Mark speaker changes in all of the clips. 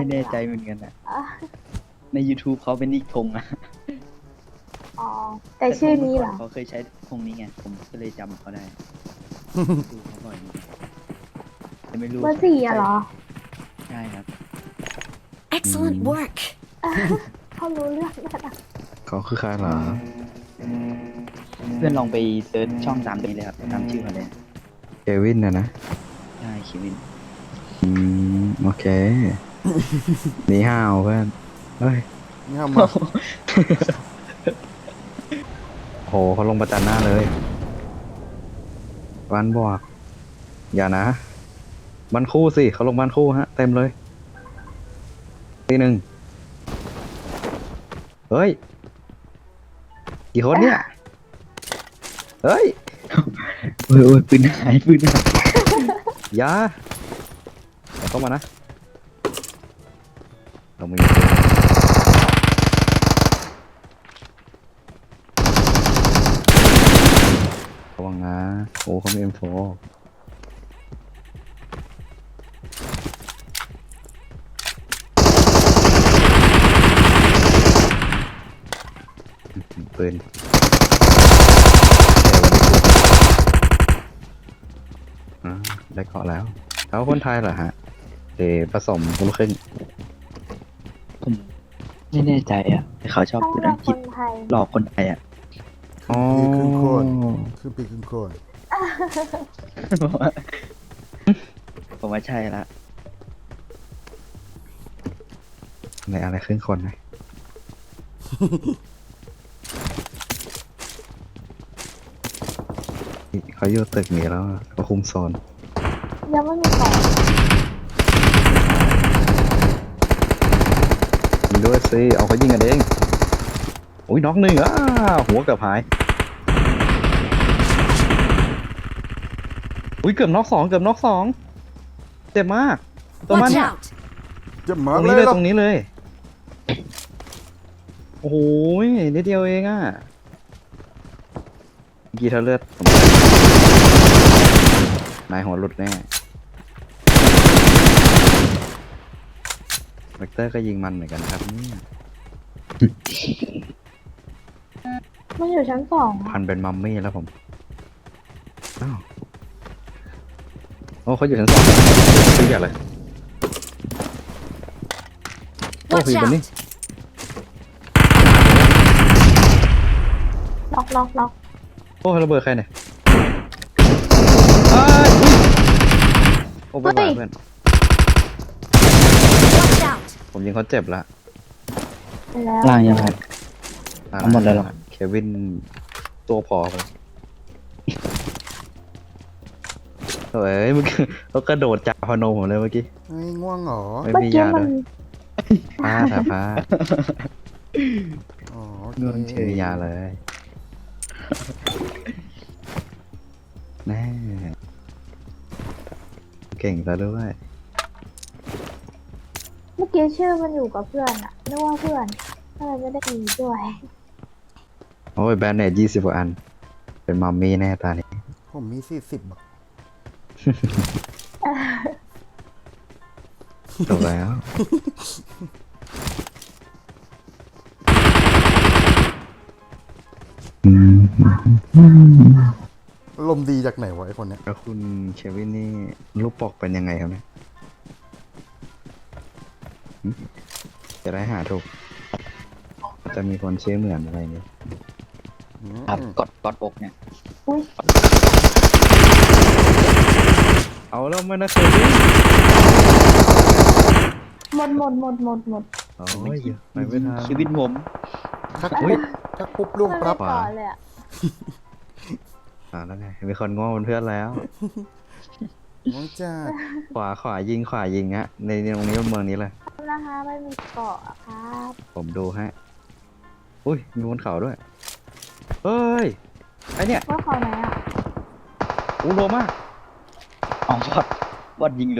Speaker 1: แน่ใจเหมือนกันอะใน YouTube เขาเป็นอีกธงอะ
Speaker 2: อ๋อแต่ชื่อนี้เหรอ
Speaker 1: เขาเคยใช้ธงนี้ไงผมก็เลยจำเขาได้ดูเขาบ่อยแต่ไม่รู้
Speaker 2: เบอร์สี่อะเหรอ
Speaker 1: ใช่ครับ
Speaker 3: Excellent work.
Speaker 2: เขารู้เรื่องแล้วนะ
Speaker 4: เขาคือใครเหรอ
Speaker 1: เพื่อนลองไปเซิร์ชช่องตามนี้เลยครับตามชื่อเขาเลย
Speaker 4: เควินนะ
Speaker 1: ใช่คิวิน
Speaker 4: โอเค หนีห้าวเพื่อน เฮ้ย
Speaker 5: นี่ทำมา
Speaker 4: โหเขาลงประจันหน้าเลยบ้านบวกอย่านะบ้านคู่สิเขาลงบ้านคู่ฮะ เต็มเลยทีหนึ่งเฮ้ย กี่คนเนี่ย เฮ้ย
Speaker 1: โอ้ยปืนหาย
Speaker 4: อย่าเอาเข้ามานะ เรามีระวังนะโอ้เขามี M4 ปืนได้เกาะแล้วเขาคนไทยเหรอฮะผสมคนละครึ่ง
Speaker 1: ผมไม่แน่ใจอ่ะแต่เขาชอบ
Speaker 2: ต้อง
Speaker 1: พูด
Speaker 2: เลือ
Speaker 1: อั
Speaker 2: ก
Speaker 1: งก
Speaker 2: ค
Speaker 1: ฤษ
Speaker 2: นไทย
Speaker 1: หลอกคนไทยอ่ะ
Speaker 4: อ๋อ
Speaker 5: ครึ่งคนครึ่งปีครึ่งคน
Speaker 1: ผมว่าใช่ละ
Speaker 4: ในอะไรครึ่งคนไหม เขาอยู่ตึกนี้แล้วเขาคุมโซน
Speaker 2: ยังไม่มีของ
Speaker 4: ยิงด้วยสิเอาเขายิงกันเองอุ้ยน็อกหนึ่งหัวเกือบหายอุ้ยเกือบน็อกสองเจ็บมากตัวมัน
Speaker 3: Watch
Speaker 4: เนี่ย
Speaker 3: out.
Speaker 5: จะ
Speaker 4: ต
Speaker 5: มา
Speaker 4: รง
Speaker 5: เล
Speaker 4: นี้
Speaker 5: ย
Speaker 4: เลย
Speaker 5: เหรอ
Speaker 4: ตรงนี้เลย โอ้โหนิดเดียวเองเมื่อกี้เธอเลือดนายหัวหลุดแน่เวกเตอร์ก็ยิงมันเหมือนกันครับเนี่ย
Speaker 2: มันอยู่ชั้นสอง
Speaker 4: พันเป็นมัมมี่แล้วผมอ้าวโอ้เขาอยู่ชั้นสองซื้ออย่างเลยโอ้
Speaker 3: Watch
Speaker 4: พี่บนนี้
Speaker 3: out.
Speaker 2: ล็อก
Speaker 4: โอ้ระเบิดใครเนี่ยอ้ายโอ้ไปบ้าเพื่อน
Speaker 3: Watch out.
Speaker 4: ผมยิงเขาเจ็บละ
Speaker 2: ไปแล้ว
Speaker 1: ล่างยังครับ เอาหมดเลยเหรอ
Speaker 4: เควินตัวพอไปเฮ้ยเมื่อกี้เขากระโดดจากพนมผมเลยเมื่อกี้
Speaker 5: เฮ้ยง่วงเหรอ
Speaker 4: ไม่
Speaker 2: เมื่อ
Speaker 4: มี
Speaker 2: กี้
Speaker 4: ยา
Speaker 2: มั
Speaker 4: ด้
Speaker 2: น
Speaker 4: วยผ้า
Speaker 5: อ๋อโอ
Speaker 4: เงิน
Speaker 5: เค
Speaker 4: ชื่อยาเลย แน่เก่งซะด้วย
Speaker 2: เมื่อกี้ชื่อมันอยู่กับเพื่อนอะนึกว่าเพื่อนก็เลยไม่ได้ดีด้วย
Speaker 4: โอ้ยแบนเนต20 กว่าอัน เป็นมัมมี่แน่ตานี้
Speaker 5: ผมมี40บาท
Speaker 4: จบแล้ว
Speaker 5: ลมณ์ดีจากไหนวะไอคนเนี้ย
Speaker 4: แล้วคุณเควินนี่รูปปกเป็นยังไงครับเนี่ยหึจะได้หาถูก จะมีคนชื่อเหมือนอะไรนี้
Speaker 1: ครับกดอกเนี่ย
Speaker 2: อุ้ย
Speaker 4: เอาแล้วมันนะเควิน
Speaker 2: หมด
Speaker 4: โอ้ยไปไม่ทัน
Speaker 1: ชีวิตผม
Speaker 5: ทัก
Speaker 4: อุ๊ย
Speaker 5: ทักปุ๊บล่วง
Speaker 2: ไม่
Speaker 5: ปั๊บ
Speaker 2: ต่อเลยอะ
Speaker 4: แล้วไงมีคนง้อเป็นเพื่อนแล้ว
Speaker 5: ง่วงจ้า
Speaker 4: ขวายิงฮะในตรงนี้เมืองนี้เลย
Speaker 2: นะคะไม่มีเกาะอะครับ
Speaker 4: ผมดูฮะอุ้ยมีบนเขาด้วย เฮ้ย ไอเนี่ย
Speaker 2: ว่าเขาไหนอะ
Speaker 4: อู้โลมาก
Speaker 1: อ๋อบอดยิงเรือ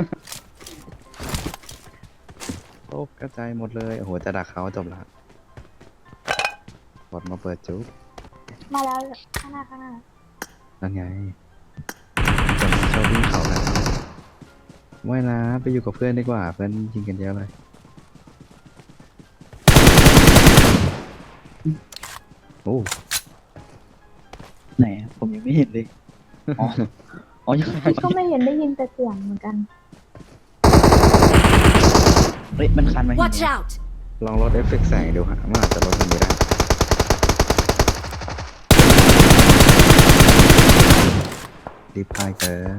Speaker 4: โอ้กระจายหมดเลย โอ้โห จะดักเขาจบละกดมาเปิดจุ๊บ
Speaker 2: มาแล้วข้างหน้า
Speaker 4: นั่นไงจะมาชอบวิ่งเขานะไม่นะไปอยู่กับเพื่อนดีกว่าเพื่อนยิงกันเยอะเลยโอ้
Speaker 1: ไหนอะผมยังไม่เห็นเลย อ๋อ อ๋อยังไม่
Speaker 2: ก็ไม่เห็นได้ยินแต่เสียงเหมือนกัน
Speaker 1: เฮ้ยมันคันมาเห็น
Speaker 3: Watch
Speaker 1: ไหม
Speaker 3: out!
Speaker 4: ลองลดเอฟเฟกต์แสงดูฮะมันอาจจะลดมันไม่ได้รีบพายเกิน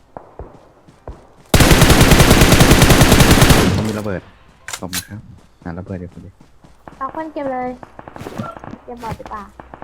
Speaker 4: เขามีระเบิดขอบคุณครับหาระเบิดเดี๋ยวคนเดียว
Speaker 2: เอาคนเก็บเลยเก็บบอดดีกว่า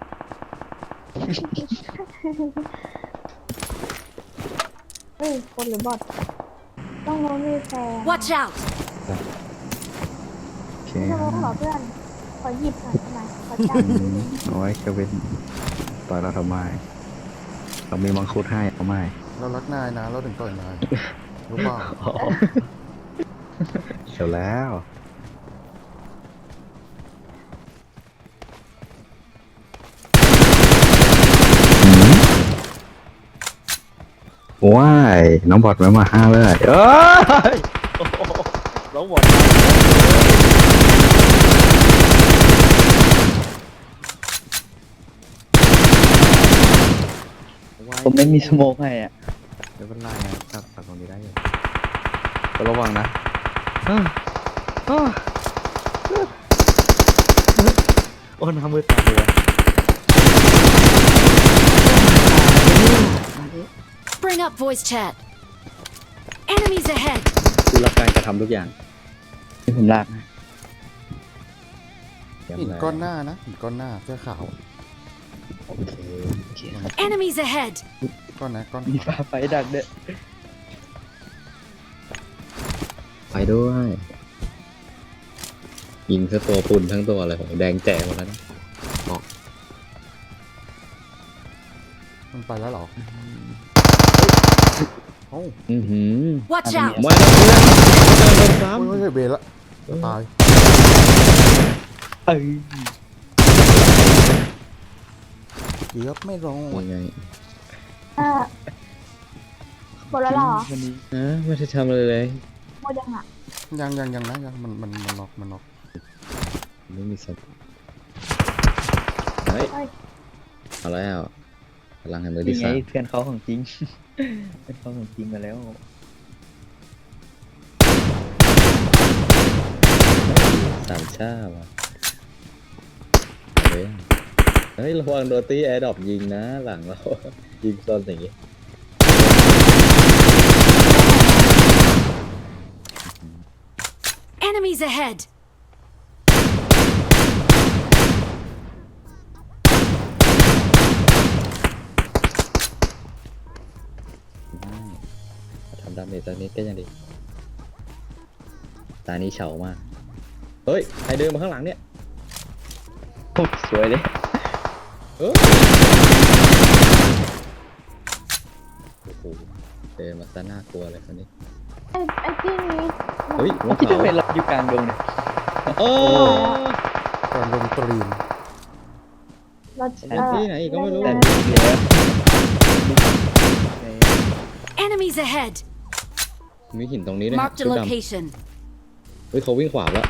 Speaker 2: เฮ้ยคนหรือบอดต้องโน้นมีแฟน
Speaker 3: Watch out!
Speaker 4: โอเค
Speaker 2: ไม่ใช่ว่าขอเพื่อนขอหยิบหน่อยได้ไหมขอจับนิดนึง
Speaker 4: เอาไว้เควินต่อยเราทำไมเรามีมังคุดให้เอาไม่
Speaker 5: เรารักนายนะ เราถึงต่อยนาย รู้เปล่า
Speaker 4: เดี๋ยวแล้วว้ายน้องบอดไม่มาห้าเลยเอ้ย
Speaker 1: แล้วบอดผมไม่มีสโมกให้อ่ะ
Speaker 4: ไม่เป็นไรนะครับตัดตรงนี้ได้อยู่ก็ระวังนะโอ้น้ำมือตาเลย
Speaker 3: Bring up voice chat. Enemies ahead.
Speaker 4: คือรับการกระทำทุกอย่าง
Speaker 1: ที่ผมลากนะ
Speaker 5: หินก้อนหน้านะหินก้อนหน้าเสื้อขาว
Speaker 1: โอเคครับ
Speaker 3: Enemies ahead.
Speaker 5: ก้อนไหนก้อน
Speaker 1: มีฟ้าไฟดักเด้อ
Speaker 4: ไปด้วยยิงซะตัวปุ่นทั้งตัวเลยแดงแจ๋หมดแล้วนะ
Speaker 5: มันไปแล้วเหรอโอ้า
Speaker 3: Watch out!
Speaker 4: มาแล้วเพื่อนโดนซ้
Speaker 5: โอ้ยเบรละตาย
Speaker 1: เอ้ย
Speaker 5: เกือบไม่รอ
Speaker 4: ำ
Speaker 5: ด
Speaker 4: ยังไง
Speaker 2: หมดแล้วเหรอ
Speaker 1: วันนี้
Speaker 4: ไม่ได้ทำอะไรเลย
Speaker 2: หมดยังอ่ะ
Speaker 5: ยังนะยังมันน็อกมันน็อก
Speaker 4: ไม่มีสัตว์เฮ้ย
Speaker 2: เอ้ย
Speaker 4: เอาแล้วพลังแห่งมือ
Speaker 1: นี่
Speaker 4: ที่
Speaker 1: ไง
Speaker 4: สาม
Speaker 1: เพื่อนเขาของจริง เพื่อนเขาของจริงมาแล้ว
Speaker 4: สามชาว่ะเฮ้ยระวังโดนตีแอร์ดรอปยิงนะหลังเรา ยิงซ่อนอย่างงี้
Speaker 3: Enemies ahead.
Speaker 4: ทำดาเมจตอนนี้ก็ยังดีตานี้เฉามากเฮ้ยใครเดินมาข้างหลังเนี่ย
Speaker 1: โอ้สวยเลย
Speaker 4: เอ้ยโอ้โหเดินมาซะน่ากลัวเลยคนนี้
Speaker 2: ไอ้ที่นี้
Speaker 4: เฮ้ยหัว
Speaker 1: ที่
Speaker 4: เขา
Speaker 1: จะเป็นเราอยู่กลางดงเนี่ย
Speaker 4: โอ้
Speaker 5: ก่อนลงตรีน
Speaker 2: เรา
Speaker 4: ที่ไหนอีกก็ไม่รู้
Speaker 1: แต่ดูเยอะ
Speaker 3: Enemies ahead.
Speaker 4: มีหินตรงนี้ด้วย
Speaker 3: Marked a
Speaker 4: ชุดดำ
Speaker 3: location.
Speaker 4: เฮ้ยเขาวิ่งขวาแล้ว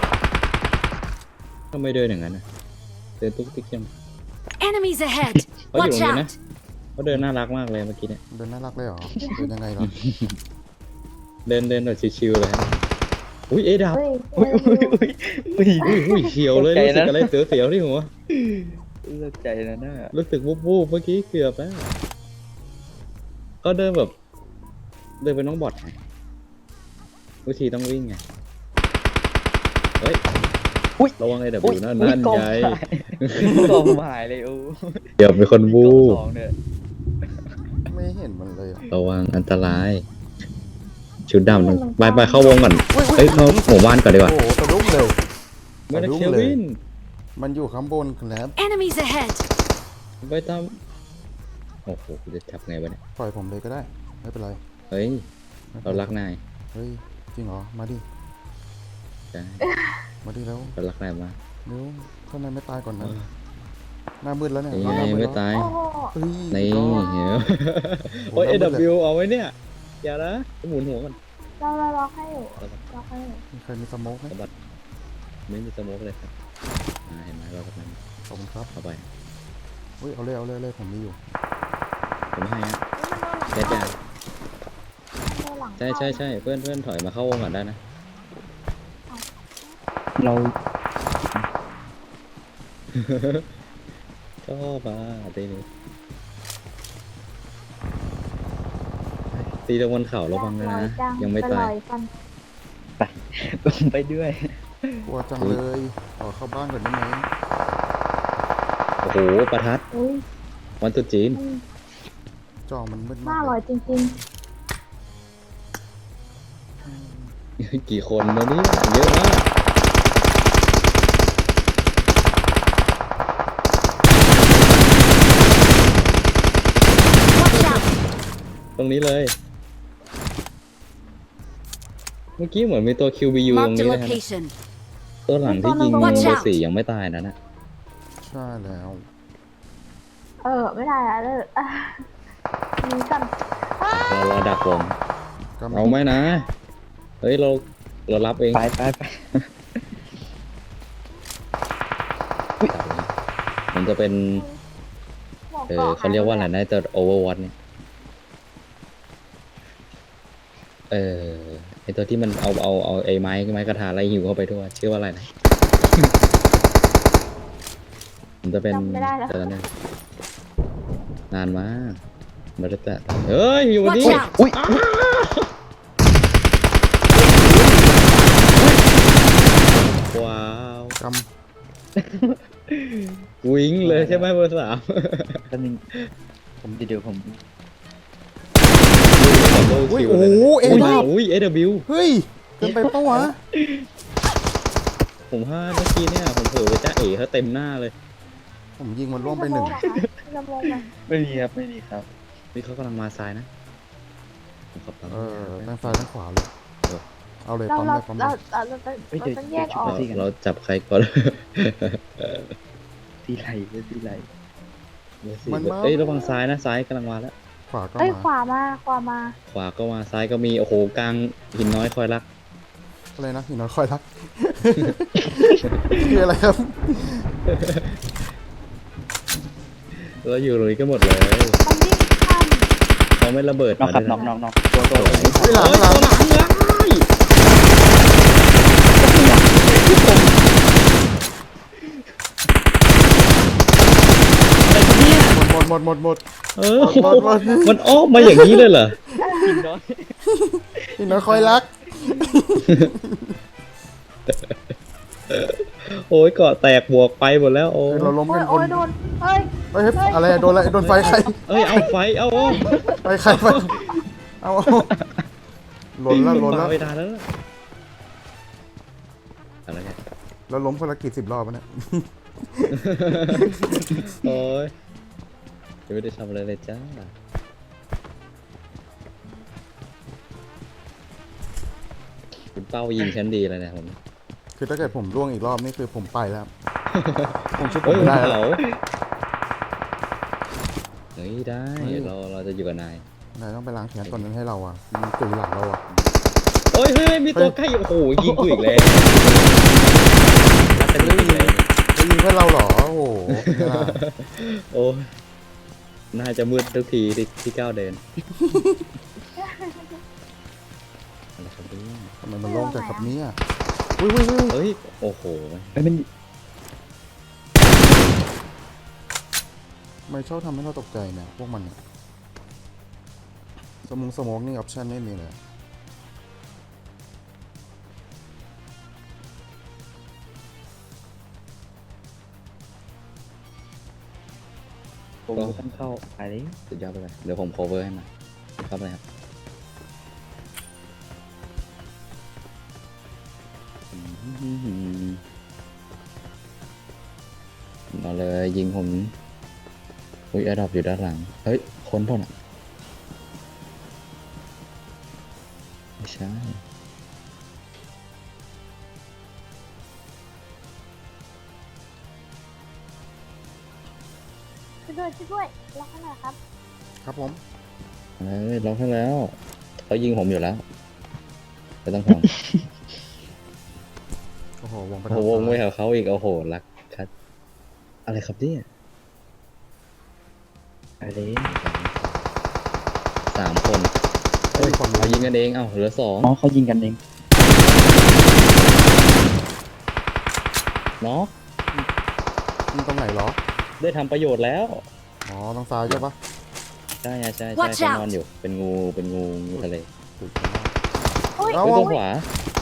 Speaker 4: ทำไมเดินอย่างนั้นนะเดินตุ๊กติ๊กยัง
Speaker 3: Enemies ahead.
Speaker 4: เขาอยู่
Speaker 3: Watch
Speaker 4: ตรงนี้นะ
Speaker 3: out.
Speaker 4: เขาเดินน่ารักมากเลยเมื่อกี้เนี่ย
Speaker 5: เดินน่ารักเลยเหรอเดินยังไงล่ะ
Speaker 4: เดินแบบชิวๆเลยฮะอุ้ยเอดับ
Speaker 2: เฮ้ย
Speaker 1: อุ้ยอุ้ยอุ้ย
Speaker 4: อุ้ยเขียวเลย
Speaker 1: ตกใจ
Speaker 4: รู้สึก
Speaker 1: นะ
Speaker 4: อะไรเสียวๆที่หัว
Speaker 1: เลิกใจแล้วนะ
Speaker 4: รู้สึกวูบๆเมื่อกี้เกือบแล้วก็เดินแบบเดินเป็นน้องบอทไงวิธีต้องวิ่งไงเฮ้ย
Speaker 1: อุ้ย
Speaker 4: ระวังไอ้ดับ
Speaker 1: อุ้ย
Speaker 4: อยู่นั่น
Speaker 1: อุ้ย
Speaker 4: นั่น
Speaker 1: กอง
Speaker 4: ไง
Speaker 1: หายกองหายเลยโอ้
Speaker 4: เดี๋ยวมีคนวู
Speaker 1: กอง
Speaker 4: บ
Speaker 1: สองเนี่ย
Speaker 5: ไม่เห็นมันเลยอ่ะ
Speaker 4: ระวังอันตราย ชุดดำต้องไปเข้าวงก่อนเฮ้ยเข้าหมู่บ้านก่อนดีกว่า
Speaker 5: โอ้โหสะดุ้งเลย
Speaker 4: ไม่ได้
Speaker 5: สะดุ้ง
Speaker 4: เค
Speaker 5: เลย
Speaker 4: วิน
Speaker 5: มันอยู่ข้างบนครับ
Speaker 3: Enemies ahead.
Speaker 4: ไปตามโอ้โหกูจะจับไงวะเนี่ย
Speaker 5: ปล่อยผมเลยก็ได้ไม่เป็นไร
Speaker 4: เฮ้ย
Speaker 5: ไม่ป็
Speaker 4: เรา
Speaker 5: นไ
Speaker 4: รักนาย
Speaker 5: เฮ้ยจริงเหรอมาดิ
Speaker 4: ใช่
Speaker 5: มาดิแล้ว
Speaker 4: เรารักนายมาก
Speaker 5: เดี๋ยวถ้านายไม่ตายก่อนนะหน้ามืดแล้วเนี่ย
Speaker 4: นี่
Speaker 5: ห
Speaker 4: ไง
Speaker 5: น้ามืด
Speaker 4: ไม่
Speaker 5: แล้ว
Speaker 4: ตาย
Speaker 2: โอ้โห
Speaker 5: เฮ้ย
Speaker 4: นี่
Speaker 5: อีกรอบ
Speaker 4: เห็นไหม
Speaker 5: โอ้
Speaker 4: โอ้ย
Speaker 5: น้ำมืดเลย
Speaker 4: AW เอาไว้เนี่ย อย่านะหมุนหัวก่อน
Speaker 2: เราล็อกให้อยู่ล็อกให้อยู่
Speaker 5: มีใครมีสโมกไหม
Speaker 4: สะบัดไม่มีสโมกเลยครับเห็นไหมเรากำลัง
Speaker 5: ขอบคุณครับ
Speaker 4: เข้าไป
Speaker 5: อุ้ยเอาเลยผมมีอยู่
Speaker 4: ผมให้ฮะ
Speaker 2: เฮ้ย
Speaker 4: เด็ด
Speaker 2: มันโดนหลัง
Speaker 4: ใช่เพื่อนถอยมาเข้าวงก่อนได้นะ
Speaker 1: เรา
Speaker 4: ชอบอ่ะตีนี้ตีตะวันเข่าระวังนะยังไม่ตาย
Speaker 2: กัน
Speaker 1: ผมไปด้วย
Speaker 5: กลัวจังเลยขอเข้าบ้านก่อนได้ไหม
Speaker 4: โอ้โหประทัด
Speaker 2: อุ้ย
Speaker 4: วันตรุษจีน
Speaker 5: จอมันมืด
Speaker 2: น่าม
Speaker 5: าก
Speaker 2: อ
Speaker 5: เล
Speaker 2: ร่อย
Speaker 5: ย
Speaker 2: จริง
Speaker 4: กี่คนแล้วเนี่ยเยอะมาก
Speaker 3: Watch out!
Speaker 4: ตรงนี้เลย เมื่อกี้เหมือนมีตัว QBU ตรง
Speaker 3: Marked a
Speaker 4: นี้นะครับ
Speaker 3: location.
Speaker 4: ตัวหลังที่ยิง
Speaker 3: Watch
Speaker 4: เบอ
Speaker 3: out
Speaker 4: ร์สี่ยังไม่ตายนะนะ
Speaker 5: ใช่แล้ว
Speaker 2: ๆไม่ได้อะเลยมีกัน
Speaker 4: เราดักวง
Speaker 5: ก็
Speaker 4: เอาไหมนะ เฮ้ยเรารับเอง
Speaker 1: ไป
Speaker 4: มันจะเป็น
Speaker 2: หมวกกาะ
Speaker 4: เขาเรียกว่าอะไรนะตัว Overwatch เนี่ยไอตัวที่มันเอาไอ้ไม้กระทาไล่หิวเข้าไปด้วยชื่อว่าอะไรนะ มันจะเป็น
Speaker 2: จำไม่ได้แล้ว
Speaker 4: ตัวนั้นนานมากมาได้แต่เฮ้ยอยู่
Speaker 3: Watch
Speaker 4: นี่
Speaker 3: out!
Speaker 1: อุ้ย
Speaker 4: ว้าว
Speaker 5: ก
Speaker 4: วิ่งเลยใช่ไหมเบอร์สาม
Speaker 1: แป๊บนึงผมเดี๋ยวผม
Speaker 5: ำอุ้ยโอ้โหเอ็ดา
Speaker 4: อุ้ย AW
Speaker 5: เฮ้ยเกินไปปะวะ
Speaker 4: ผมพลาดเมื่อกี้เนี่ยผมเผลอไปจ้าเอ๋เขาเต็มหน้าเลย
Speaker 5: ผมยิงมันร่วงไปหนึ่ง
Speaker 2: จะมองไหม
Speaker 1: ไม่มีครับ
Speaker 4: นี่เขากำลังมาซ้ายนะผมขับตาม
Speaker 5: ทางซ้ายทางขวาเลยเอาเลย
Speaker 2: เรา
Speaker 5: ปั๊ม
Speaker 2: เรา
Speaker 5: เลยปั๊มเล
Speaker 2: เรา
Speaker 5: ย
Speaker 2: เราต้องแยกออก
Speaker 4: เราจับใครก่อน
Speaker 1: ที่ไหลที่ไหล
Speaker 4: เอ้ยระวังซ้ายนะซ้ายกำลังมาแล้ว
Speaker 5: ขวาก็
Speaker 2: เอ้ย
Speaker 5: มา
Speaker 2: ขวามาขวามา
Speaker 4: ขวาก็มาซ้ายก็มีโอ้โหกลางหินน้อยคอยรัก
Speaker 5: อะไรนะหินน้อยคอยรัก คืออะไรครับ
Speaker 4: เราอยู่ตรงนี้ก็หมดเลย
Speaker 2: มันวิ่งข้าม
Speaker 4: เขาไม่ระเบิด
Speaker 1: น้อง
Speaker 4: มา
Speaker 1: ครับ
Speaker 4: ด้วย
Speaker 1: น้
Speaker 4: นะ
Speaker 1: องตัว
Speaker 5: เฮ้ยหลังหลัง หมด
Speaker 4: เออ
Speaker 5: หมด
Speaker 4: มันอ้อมมาอย่างนี้เลยเหรอ
Speaker 1: กินน้อย
Speaker 5: หินน้อยคอยรัก
Speaker 4: โอ้ยเกาะแตกบวกไปหมดแล้วโอ้
Speaker 5: เราล้ม
Speaker 2: โอ้
Speaker 5: กั
Speaker 2: ย
Speaker 5: นค
Speaker 2: โอ้
Speaker 5: น
Speaker 2: ยโดนเฮ้ย
Speaker 5: เฮ้ยอะไรโดนอะไรโดนไฟใคร
Speaker 4: เอ้ยเอาไฟเอา
Speaker 5: ไฟใครไฟเอาหล่นแล้ว
Speaker 4: ไม่ได้แล้วอะไรเนี่ย
Speaker 5: เราล้มคนละกี่10 รอบวะเนี่ย
Speaker 4: โอ้ยยังไม่ได้ทำอะไรเลยจ้าคุณเป้ายิงฉันดีเลยเนี่ยผม
Speaker 5: คือถ้าเกิดผมร่วงอีกรอบนี่คือผมไปแล้ว ผมชุบผ
Speaker 4: เฮ้
Speaker 5: ม
Speaker 4: ย
Speaker 5: ไม่ได้
Speaker 4: เห
Speaker 5: แล้ว
Speaker 4: ลาเฮ้ยได้เราจะอยู่กับนาย
Speaker 5: นายต้องไปล้างแขนตอนนั้นให้เราอ่ะมันตุยหลังเราอ่ะ
Speaker 4: เฮ้ยมีตัวใกล้โอ้โหยิงกูอีกแล้วรักกันอีกแล้ว
Speaker 5: จะยิงเพื่อนเราเหรอ โอ้โหเป็นไงล่ะ
Speaker 4: โอ้ยน่าจะมืดทุกทีที่ก้าวเดินอะไรครับเนี่ย
Speaker 5: ทำไมมันโล่งจังครับเนี่ยอุ้ย
Speaker 4: เฮ้ยโอ้โห
Speaker 1: ไม่เป็น
Speaker 5: ไม่ชอบทำให้เราตกใจเนี่ยพวกมันเนี่ยสมองนี่ออปชั่นไม่มีเลย
Speaker 1: ผมต้องเข้าไปเลย
Speaker 4: สุดยอดไปเลยเดี๋ยวผม cover ให้มาเข้าไปครับมาเลยยิงผมอุ้ยแอร์ดรอปอยู่ด้านหลังเฮ้ยคนเปล่าน่ะไม่ใช่
Speaker 2: ช่วยด้วยล็อกให้หน่อยครับ
Speaker 5: ครับผม
Speaker 4: เฮ้ยล็อกให้แล้วเขายิงผมอยู่แล้วไม่ต้องห่วง
Speaker 5: โอ้โหวงไป
Speaker 4: โอ้
Speaker 5: ทาง
Speaker 4: โหวงไว้
Speaker 5: ซ้าย
Speaker 4: กับเขาอีกโอ้โหรักคัดอะไรครับเนี่ยอะไร3 คน
Speaker 5: เฮ้ยคน
Speaker 4: เรายิงกันเองเอ้าเหลือ
Speaker 1: อ๋อเขายิงกันเอง
Speaker 4: 2เนาะ
Speaker 5: ยิงตรงไหนเหรอ
Speaker 4: ได้ทำประโยชน์แล้ว
Speaker 5: อ๋อทางซ้ายใช่ปะ
Speaker 4: ใช่ใช่
Speaker 3: Watch
Speaker 4: เขาน
Speaker 3: out
Speaker 4: อนอยู่เป็นงูทะเล
Speaker 5: ถูกต้อง
Speaker 2: โอ้ย
Speaker 5: เอา
Speaker 4: เฮ้ยตัวขวา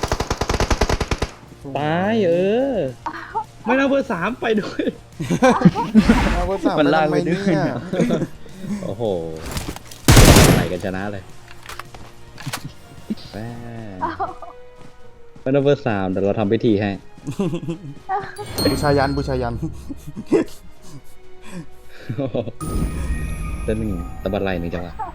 Speaker 4: ตายไม่น่าเบอร์ 3ไปด้วย
Speaker 5: เอาเบอร์สาม
Speaker 1: มันลาก
Speaker 5: ทำ
Speaker 1: ไปด้วย
Speaker 5: เนี่ย
Speaker 4: โอ้โหไหนกันชนะเลยแม่ไม่น่าเบอร์ 3แต่เราทำพิธีให้
Speaker 5: บูชายันบูชายัน
Speaker 4: เต้นหนึ่งตะบันไหลหนึ่งจังหวะ